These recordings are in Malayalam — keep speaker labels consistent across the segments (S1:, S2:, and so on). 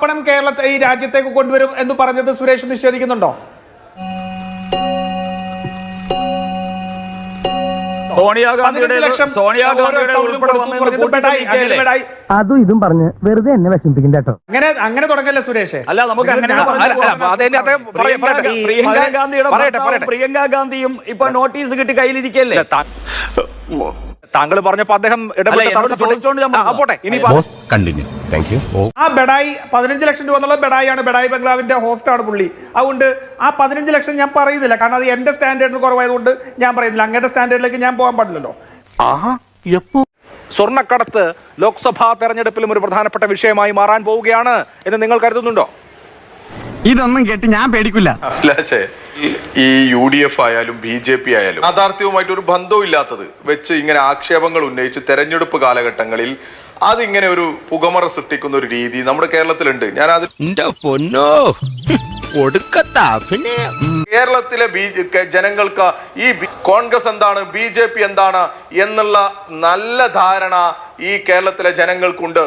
S1: പണം കേരളത്തെ ഈ രാജ്യത്തേക്ക് കൊണ്ടുവരും എന്ന് പറഞ്ഞത് സുരേഷ് നിഷേധിക്കുന്നുണ്ടോ?
S2: അതും ഇതും പറഞ്ഞ് വെറുതെ എന്നെ വിഷമിപ്പിക്കും കേട്ടോ.
S1: അങ്ങനെ തുടങ്ങല്ലേ സുരേഷ്?
S3: അല്ല, നമുക്ക് പ്രിയങ്ക ഗാന്ധിയും ഇപ്പൊ നോട്ടീസ് കിട്ടി കയ്യിലിരിക്കല്ലേ. താങ്കൾ പറഞ്ഞപ്പോ അദ്ദേഹം
S1: ആ ബെഡായി 15 ലക്ഷം രൂപ എന്നുള്ള ബെഡായിയാണ്, ബെഡായി ബംഗ്ലാവിന്റെ ഹോസ്റ്റാണ് പുള്ളി. അതുകൊണ്ട് ആ 15 ലക്ഷം ഞാൻ പറയുന്നില്ല, കാരണം അത് എന്റെ സ്റ്റാൻഡേർഡിന് കുറവായതുകൊണ്ട് ഞാൻ പറയുന്നില്ല. അങ്ങനത്തെ സ്റ്റാൻഡേർഡിലേക്ക് ഞാൻ പോകാൻ പാടില്ലല്ലോ.
S3: സ്വർണ്ണക്കടത്ത് ലോക്സഭാ തെരഞ്ഞെടുപ്പിലും ഒരു പ്രധാനപ്പെട്ട വിഷയമായി മാറാൻ പോവുകയാണ് എന്ന് നിങ്ങൾ കരുതുന്നുണ്ടോ?
S2: ഇതൊന്നും കേട്ട് ഞാൻ പേടിക്കില്ല.
S4: ഈ UDF ആയാലും BJP ആയാലും യാഥാർത്ഥ്യവുമായിട്ട് ഒരു ബന്ധവും ഇല്ലാത്തത് വെച്ച് ഇങ്ങനെ ആക്ഷേപങ്ങൾ ഉന്നയിച്ച് തെരഞ്ഞെടുപ്പ് കാലഘട്ടങ്ങളിൽ അതിങ്ങനെ ഒരു പുകമറ സൃഷ്ടിക്കുന്ന ഒരു രീതി നമ്മുടെ കേരളത്തിലുണ്ട്. ഞാനത് കേരളത്തിലെ ജനങ്ങൾക്ക് ഈ കോൺഗ്രസ് എന്താണ്, BJP എന്താണ് എന്നുള്ള നല്ല ധാരണ ഈ കേരളത്തിലെ ജനങ്ങൾക്കുണ്ട്.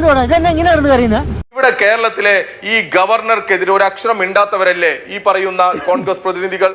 S4: ഇവിടെ കേരളത്തിലെ ഈ ഗവർണർക്കെതിരെ ഒരു അക്ഷരം മിണ്ടാത്തവരല്ലേ ഈ പറയുന്ന കോൺഗ്രസ് പ്രതിനിധികൾ.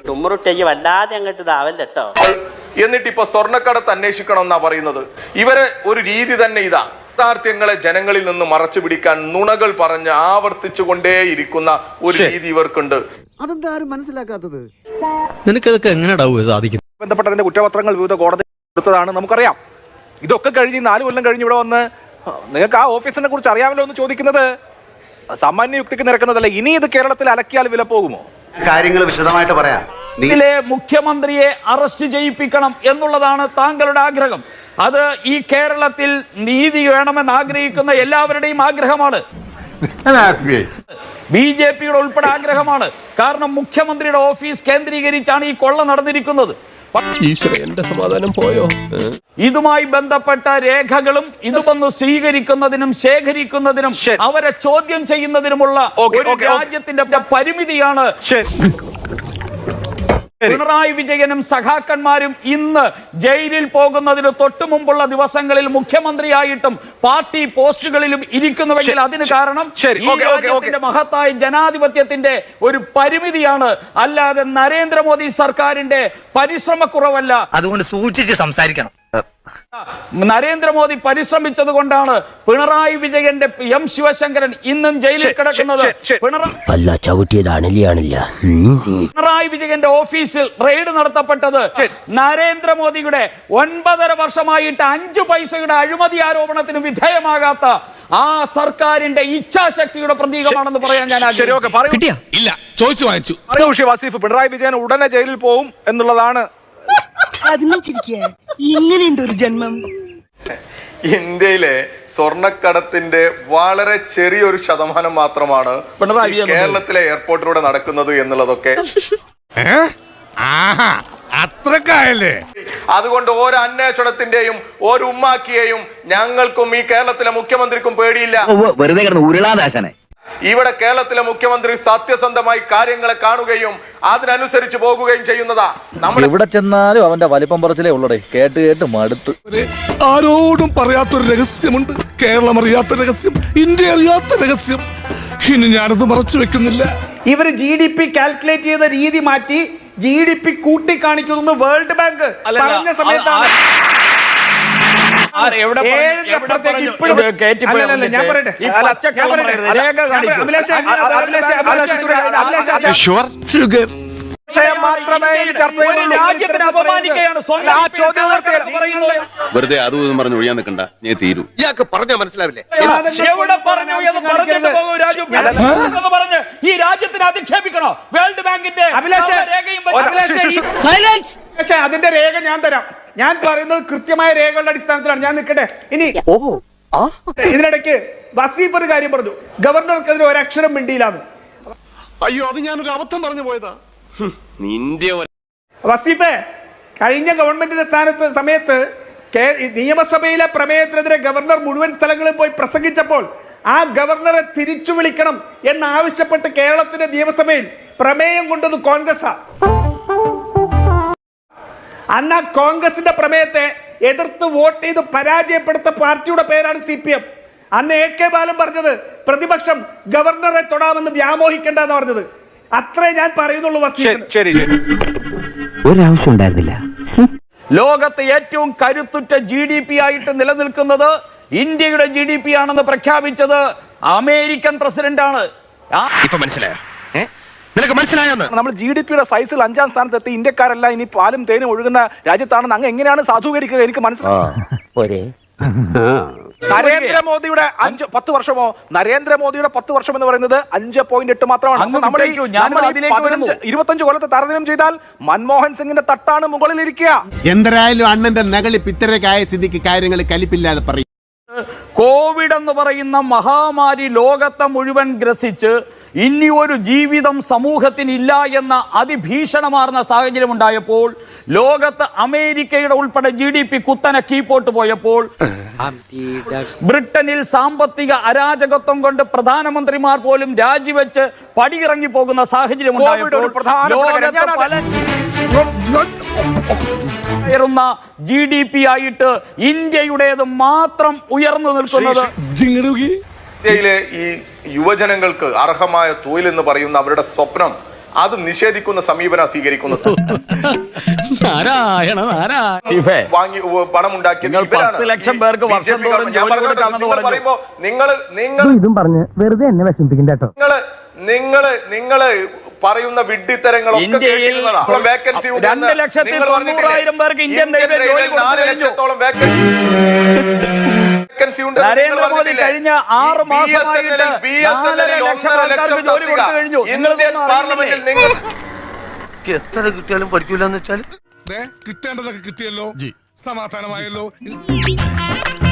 S4: എന്നിട്ട് ഇപ്പൊ സ്വർണ്ണക്കടത്ത് അന്വേഷിക്കണം എന്നാ പറയുന്നത്. ഇവരെ ഒരു രീതി തന്നെ ഇതാ, യാഥാർത്ഥ്യങ്ങളെ ജനങ്ങളിൽ നിന്ന് മറച്ചു പിടിക്കാൻ നുണകൾ പറഞ്ഞ് ആവർത്തിച്ചു കൊണ്ടേയിരിക്കുന്ന ഒരു രീതി ഇവർക്കുണ്ട്.
S5: അതെന്താരും മനസ്സിലാക്കാത്തത്?
S6: നിനക്കതൊക്കെ എങ്ങനെയാ സാധിക്കും?
S3: ബന്ധപ്പെട്ടതിന്റെ കുറ്റപത്രങ്ങൾ വിവിധ കോടതി കൊടുത്തതാണ്, നമുക്കറിയാം. ഇതൊക്കെ കഴിഞ്ഞ് 4 കൊല്ലം കഴിഞ്ഞ് ഇവിടെ വന്ന് നിങ്ങൾക്ക് ആ ഓഫീസിനെ കുറിച്ച് അറിയാമല്ലോ എന്ന് ചോദിക്കുന്നത് സാമാന്യ യുക്തിക്ക് നിരക്കുന്നതല്ല. ഇനി ഇത് കേരളത്തിൽ അലക്കിയാൽ വില പോകുമോ?
S7: കാര്യങ്ങൾ വിശദമായിട്ട് പറയാം.
S3: ഇതിലെ മുഖ്യമന്ത്രിയെ അറസ്റ്റ് ചെയ്യിപ്പിക്കണം എന്നുള്ളതാണ് താങ്കളുടെ ആഗ്രഹം. അത് ഈ കേരളത്തിൽ നീതി വേണമെന്ന് ആഗ്രഹിക്കുന്ന എല്ലാവരുടെയും ആഗ്രഹമാണ്. BJPയുടെ ഉൾപ്പെടെ ആഗ്രഹമാണ്. കാരണം മുഖ്യമന്ത്രിയുടെ ഓഫീസ് കേന്ദ്രീകരിച്ചാണ് ഈ കൊള്ള നടന്നിരിക്കുന്നത്.
S6: എന്റെ സമാധാനം പോയോ?
S3: ഇതുമായി ബന്ധപ്പെട്ട രേഖകളും ഇതുവന്ന് സ്വീകരിക്കുന്നതിനും ശേഖരിക്കുന്നതിനും അവരെ ചോദ്യം ചെയ്യുന്നതിനുമുള്ള ഒരു രാജ്യത്തിന്റെ പരിമിതിയാണ്. പിണറായി വിജയനും സഖാക്കന്മാരും ഇന്ന് ജയിലിൽ പോകുന്നതിന് തൊട്ടു മുമ്പുള്ള ദിവസങ്ങളിൽ മുഖ്യമന്ത്രിയായിട്ടും പാർട്ടി പോസ്റ്റുകളിലും ഇരിക്കുന്നുവെങ്കിൽ അതിന് കാരണം ഈ രാജ്യത്തിന്റെ മഹത്തായ ജനാധിപത്യത്തിന്റെ ഒരു പരിമിതിയാണ്, അല്ലാതെ നരേന്ദ്രമോദി സർക്കാരിന്റെ പരിശ്രമക്കുറവല്ല.
S2: അതുകൊണ്ട് സൂക്ഷിച്ച് സംസാരിക്കണം.
S3: നരേന്ദ്രമോദി പരിശ്രമിച്ചത് കൊണ്ടാണ് പിണറായി വിജയന്റെ M ശിവശങ്കരൻ ഇന്നും ജയിലിൽ കിടക്കുന്നത്. പിണറായി വിജയന്റെ ഓഫീസിൽ റെയ്ഡ് നടത്തപ്പെട്ടത് നരേന്ദ്രമോദിയുടെ 9.5 വർഷമായിട്ട് 5 പൈസയുടെ അഴിമതി ആരോപണത്തിന് വിധേയമാകാത്ത ആ സർക്കാരിന്റെ ഇച്ഛാശക്തിയുടെ പ്രതീകമാണെന്ന് പറയാൻ ഞാൻ ആഗ്രഹിക്കുന്നു. പിണറായി വിജയൻ ഉടനെ ജയിലിൽ പോവും എന്നുള്ളതാണ്.
S5: ഇങ്ങനെയുണ്ട് ഒരു ജന്മം.
S4: ഇന്ത്യയിലെ സ്വർണ്ണക്കടത്തിന്റെ വളരെ ചെറിയൊരു ശതമാനം മാത്രമാണ് കേരളത്തിലെ എയർപോർട്ടിലൂടെ നടക്കുന്നത് എന്നുള്ളതൊക്കെ
S5: അത്രക്കായല്ലേ.
S4: അതുകൊണ്ട് ഓരോ അന്വേഷണത്തിന്റെയും ഒരു ഉമ്മാക്കിയെയും ഞങ്ങൾക്കും ഈ കേരളത്തിലെ മുഖ്യമന്ത്രിക്കും പേടിയില്ല.
S2: വെറുതെ കിടന്ന് ഉരുളാദാശനെ.
S4: ഇവിടെ കേരളത്തിലെ മുഖ്യമന്ത്രി സത്യസന്ധമായി കാര്യങ്ങളെ കാണുകയും അതിനനുസരിച്ച് പോകുകയും ചെയ്യുന്നതാ. നമ്മൾ
S8: എവിടെ ചെന്നാലും അവന്റെ വലിപ്പം പറച്ചിലേ ഉള്ളടേ. കേട്ട് കേട്ട് മടുത്ത്.
S5: ആരോടും പറയാത്തൊരു രഹസ്യമുണ്ട്, കേരളം അറിയാത്ത രഹസ്യം, ഇന്ത്യ അറിയാത്ത രഹസ്യം. ഇനി ഞാനത് മറച്ചു വെക്കുന്നില്ല.
S1: ഇവര് GDP കാൽക്കുലേറ്റ് ചെയ്ത രീതി മാറ്റി GDP കൂട്ടി കാണിക്കുന്നു വേൾഡ് ബാങ്ക് പറഞ്ഞ സമയത്താണ്.
S9: വെറുതെ അതും പറഞ്ഞ് ഒഴിയാൻ നിൽക്കണ്ട, ഞാൻ തീരൂ.
S5: ഇയാൾക്ക് പറഞ്ഞാൽ മനസ്സിലാവില്ലേ?
S3: എവിടെ പറഞ്ഞു എന്ന് പറഞ്ഞിട്ട് പോകും രാജു. പറഞ്ഞ് ഈ രാജ്യത്തിന് അധിക്ഷേപിക്കണോ? വേൾഡ് ബാങ്കിന്റെ
S1: അതിന്റെ രേഖ ഞാൻ തരാം. ഞാൻ പറയുന്നത് കൃത്യമായ രേഖകളുടെ അടിസ്ഥാനത്തിലാണ്. ഞാൻ നിൽക്കട്ടെ. ഇനി ഇതിനിടയ്ക്ക് വസീഫ് ഒരു കാര്യം പറഞ്ഞു, ഗവർണർക്കെതിരെ ഒരക്ഷരം മിണ്ടിയില്ലാന്ന്.
S5: അയ്യോ, അത് ഞാനൊരു അബദ്ധം പറഞ്ഞു പോയതാ.
S1: വസീഫെ, കഴിഞ്ഞ ഗവൺമെന്റിന്റെ സമയത്ത് നിയമസഭയിലെ പ്രമേയത്തിനെതിരെ ഗവർണർ മുഴുവൻ സ്ഥലങ്ങളിൽ പോയി പ്രസംഗിച്ചപ്പോൾ ആ ഗവർണറെ തിരിച്ചു വിളിക്കണം എന്നാവശ്യപ്പെട്ട് കേരളത്തിന്റെ നിയമസഭയിൽ പ്രമേയം കൊണ്ടത് കോൺഗ്രസാ. അന്ന് ആ കോൺഗ്രസിന്റെ പ്രമേയത്തെ എതിർത്ത് വോട്ട് ചെയ്ത് പരാജയപ്പെടുത്ത പാർട്ടിയുടെ പേരാണ് CPM. അന്ന് AK ബാലൻ പറഞ്ഞത് പ്രതിപക്ഷം ഗവർണറെ തൊടാമെന്ന് വ്യാമോഹിക്കേണ്ട എന്ന് പറഞ്ഞത്. അത്രേ ഞാൻ പറയുന്നുള്ളൂ.
S3: ശരി ശരി.
S2: ഒരാവശ്യം ഉണ്ടായിരുന്നില്ല.
S10: ലോകത്തെ ഏറ്റവും കരുത്തുറ്റ GDP ആയിട്ട് നിലനിൽക്കുന്നത് ഇന്ത്യയുടെ GDP ആണെന്ന് പ്രഖ്യാപിച്ചത് അമേരിക്കൻ പ്രസിഡന്റാണ്.
S7: ഇപ്പൊ മനസ്സിലായോ? നിനക്ക് മനസ്സിലായോന്ന്?
S3: നമ്മൾ GDP-യുടെ സൈസിൽ 5ാം സ്ഥാനത്തെത്തി ഇന്ത്യക്കാരല്ല ഇനി പാലും തേനും ഒഴുകുന്ന രാജ്യത്താണെന്ന് അങ്ങ് എങ്ങനെയാണ് സാധൂകരിക്കുക? എനിക്ക് മനസ്സിലായി. നരേന്ദ്രമോദിയുടെ 10 വർഷമോ, നരേന്ദ്രമോദിയുടെ 10 വർഷം എന്ന് പറയുന്നത് 5.8 മാത്രമാണ്. നമ്മൾ 25 കൊല്ലത്തെ താരതമ്യം ചെയ്താൽ മൻമോഹൻ സിംഗിന്റെ തട്ടാണ് മുകളിലിരിക്കുക.
S9: എന്തരായാലും അണ്ണന്റെ നകളി പിത്തരക്കായ സ്ഥിതിക്ക് കാര്യങ്ങൾ കലിപ്പില്ലാതെ പറയും.
S10: കോവിഡ് എന്ന് പറയുന്ന മഹാമാരി ലോകത്തെ മുഴുവൻ ഗ്രസിച്ച് ഇനി ഒരു ജീവിതം സമൂഹത്തിനില്ല എന്ന അതിഭീഷണമാർന്ന സാഹചര്യം ഉണ്ടായപ്പോൾ ലോകത്ത് അമേരിക്കയുടെ ഉൾപ്പെടെ GDP കുത്തനെ കീപ്പോട്ട് പോയപ്പോൾ ബ്രിട്ടനിൽ സാമ്പത്തിക അരാജകത്വം കൊണ്ട് പ്രധാനമന്ത്രിമാർ പോലും രാജിവെച്ച് പടിയിറങ്ങി പോകുന്ന സാഹചര്യം ഉണ്ടായപ്പോൾ ലോകത്ത് പല ഉയർന്ന GDP ആയിട്ട് ഇന്ത്യയുടേത് മാത്രം ഉയർന്നു നിൽക്കുന്നത്.
S4: ഇന്ത്യയിലെ ഈ യുവജനങ്ങൾക്ക് അർഹമായ തൊഴിൽ എന്ന് പറയുന്ന അവരുടെ സ്വപ്നം അത് നിഷേധിക്കുന്ന സമീപനം സ്വീകരിക്കുന്നത്. വാങ്ങി പണം ഉണ്ടാക്കിയത്
S10: 10 ലക്ഷം പേർക്ക് വർഷം തോറും ജോലി കൊടുക്കാമെന്ന്
S4: പറയുമ്പോ
S2: ഇതും പറഞ്ഞ് വെറുതെ എന്നെ വിഷമിപ്പിക്കണ്ട കേട്ടോ.
S4: നിങ്ങള് പറയുന്ന വിഡ്ഢിത്തരങ്ങളൊക്കെ
S10: ഇന്ത്യയിൽ 2,90,000 പേർക്ക് ഇന്ത്യൻ റെയിൽവേ ജോലി നരേന്ദ്രമോദി കഴിഞ്ഞ 6 മാസമായിട്ട് 4.5 ലക്ഷം ആൾക്കാർക്ക് ജോലി കൊടുത്തു കഴിഞ്ഞു.
S7: എത്ര കിട്ടിയാലും പഠിക്കൂലെന്ന് വെച്ചാൽ
S5: കിട്ടേണ്ടതൊക്കെ കിട്ടിയല്ലോ, സമാധാനമായല്ലോ.